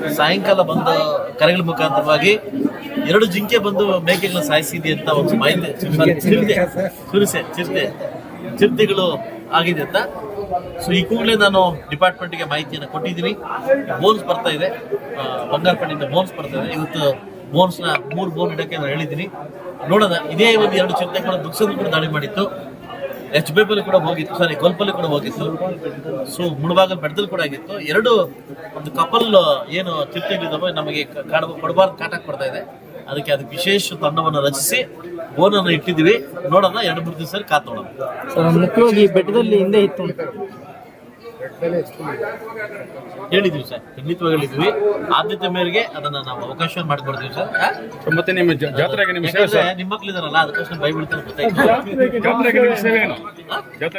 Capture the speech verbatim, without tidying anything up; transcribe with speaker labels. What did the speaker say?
Speaker 1: ಸಾಯಂಕಾಲ ಬಂದ ಕರೆಗಳ ಮುಖಾಂತರವಾಗಿ ಎರಡು ಜಿಂಕೆ ಬಂದು ಮೇಕೆಗಳನ್ನ ಸಾಯಿಸಿದೆ ಅಂತ ಒಂದು ಮಾಹಿತಿ, ಚಿರತೆ ಕುರಿಸೆ ಚಿರತೆ ಚಿರತೆಗಳು ಆಗಿದೆ ಅಂತ. ಸೊ ಈ ಕೂಡಲೇ ನಾನು ಡಿಪಾರ್ಟ್ಮೆಂಟ್ಗೆ ಮಾಹಿತಿಯನ್ನು ಕೊಟ್ಟಿದ್ದೀನಿ. ಬೋನ್ಸ್ ಬರ್ತಾ ಇದೆ, ಬಂಗಾರಪೇಟೆಯಿಂದ ಬೋನ್ಸ್ ಬರ್ತಾ ಇದೆ. ಇವತ್ತು ಬೋನ್ಸ್ನ ಮೂರು ಬೋನ್ ಇಡಕ್ಕೆ ನಾನು ಹೇಳಿದ್ದೀನಿ. ನೋಡೋಣ. ಇದೇ ಒಂದು ಎರಡು ಚಿರತೆಗಳು ದುಕ್ಸದ ಕೂಡ ದಾಳಿ ಮಾಡಿತ್ತು, ಎಚ್ ಬೇಪಲ್ಲಿ ಕೂಡ ಹೋಗಿತ್ತು, ಸಾರಿ ಗೋಲ್ಪಲ್ಲಿ ಕೂಡ ಹೋಗಿತ್ತು, ಸೊ ಮುಳಬಾಗಲ್ ಬೆಟ್ಟದಲ್ಲಿ ಕೂಡ ಆಗಿತ್ತು. ಎರಡು ಒಂದು ಕಪಲ್ ಏನು ಚಿರತೆಗಳಿದ್ದಾವೆ ನಮಗೆ ಕಾಡ ಕೊಡಬಾರ್ದು ಕಾಟಕ್ಕೆ ಬರ್ತಾ ಇದೆ. ಅದಕ್ಕೆ ಅದಕ್ಕೆ ವಿಶೇಷ ತಂಡವನ್ನು ರಚಿಸಿ ಬೋನನ್ನು ಇಟ್ಟಿದ್ದೀವಿ. ನೋಡೋಣ, ಎರಡು ಮೂರು ದಿವಸ ಕಾತೋಣ.
Speaker 2: ಮುಖ್ಯವಾಗಿ ಬೆಟ್ಟದಲ್ಲಿ ಹಿಂದೆ ಇತ್ತು
Speaker 1: ಹೇಳಿದ್ವಿ ಸರ್, ಖಂಡಿತವಾಗಿ ಹೇಳಿದ್ವಿ. ಆದ್ಯತೆ ಮೇರೆಗೆ ಅದನ್ನ ನಾವು ಅವಕಾಶ ಮಾಡಿಕೊಡ್ತೀವಿ ಸರ್.
Speaker 3: ಮತ್ತೆ ನಿಮ್ಮ ಜಾತ್ರೆಗೆ ನಿಮ್ಮ
Speaker 1: ನಿಮ್ಮ ಮಕ್ಳಿದಾರಲ್ಲ, ಅದಕ್ಕೋಸ್ಕರ ಬೈಬಿಡ್ತಾರೆ ಗೊತ್ತಾಯ್ತು.